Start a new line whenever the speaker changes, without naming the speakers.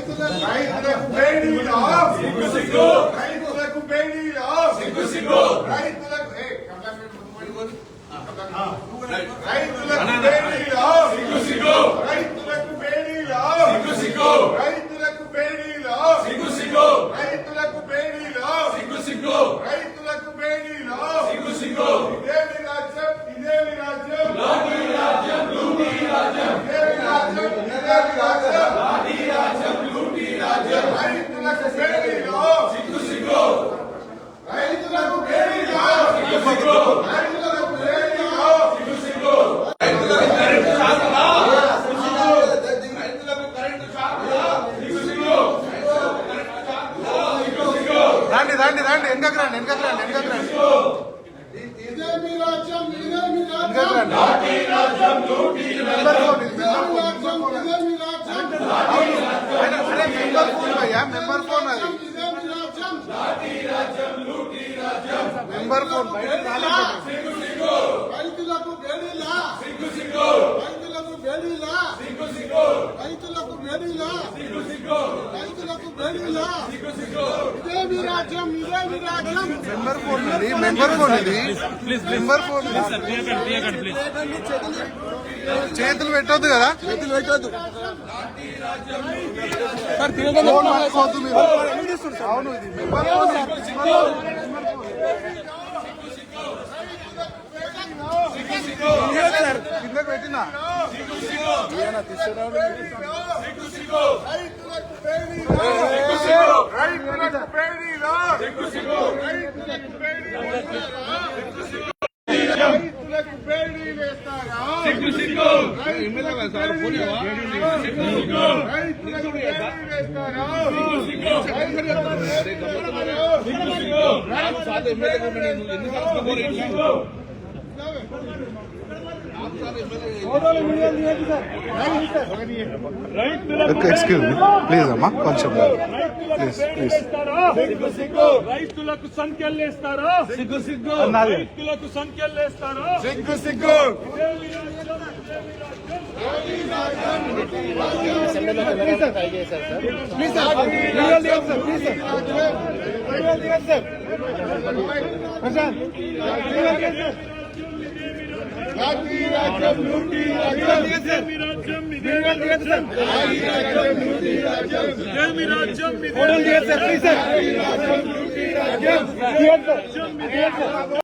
రైతులకు బేడీలా సిగ్గు సిగ్గు రైతులకు బేడీలా సిగ్గు సిగ్గు రైతులకు రైతులకు బేడీలా సిగ్గు సిగ్గు రైతులకు బేడీలా సిగ్గు సిగ్గు రైతులకు బేడీలా సిగ్గు సిగ్గు రైతులకు బేడీలా సిగ్గు సిగ్గు రైతులకు బేడీలా సిగ్గు సిగ్గు ఇదేమి రాజ్యం ఇదేమి రాజ్యం లాఠీ రాజ్యం లూటీ రాజ్యం ఇదేమి రాజ్యం ఇదేమి రాజ్యం లాఠీ రాజ్యం లూటీ రాజ్యం రైతులకు బేడీలా సిగ్గు సిగ్గు రైతులకు బేడీలా సిగ్గు సిగ్గు రైతులకు బేడీలా సిగ్గు సిగ్గు రైతులకు కరెంటు షాకులా రైతులకు కరెంటు షాకులా సిగ్గు సిగ్గు రండి రండి రండి వెనకకు రండి వెనకకు రండి వెనకకు రండి ఇదేమి రాజ్యం ఇదేమి రాజ్యం లాఠీ రాజ్యం లూటీ రాజ్యం ఇదేమి రాజ్యం ఇదేమి రాజ్యం లాఠీ రాజ్యం మెంబర్ ఫోన్ భయ్యా మెంబర్ ఫోన్ అది ఇదేమి రాజ్యం లాఠీ రాజ్యం లూటీ రాజ్యం మెంబర్ ఫోన్ సిగ్గు సిగ్గు రైతులకు బేడీలా సిగ్గు సిగ్గు రైతులకు బేడీలా సిగ్గు సిగ్గు రైతులకు బేడీలా సిగ్గు సిగ్గు రైతులకు బేడీలా సిగ్గు సిగ్గు ఇదేమి రాజ్యం ఇదేమి రాజ్యం మెంబర్ ఫోన్ ఇది మెంబర్ ఫోన్ ఇది మెంబర్ ఫోన్ చేతులు పెట్టొద్దు కదా చేతులు పెట్టొద్దు అవును ఇది మెంబర్ ఫోన్ కిందకు పెట్టినా ఎక్స్క్యూజ్ మీ ప్లీజ్ అమ్మా కొంచెం ప్లీజ్ ప్లీజ్
రైతులకు సంఖ్యలేస్తారా సిగ్గు సిగ్గు రైతులకు సంఖ్యలేస్తారా
సిగ్గు సిగ్గు లాఠీ రాజ్యం లూటీ రాజ్యం ఇదేమి రాజ్యం ఇదేమి రాజ్యం లాఠీ రాజ్యం లూటీ రాజ్యం ఇదేమి రాజ్యం ఇదేమి రాజ్యం లాఠీ రాజ్యం లూటీ రాజ్యం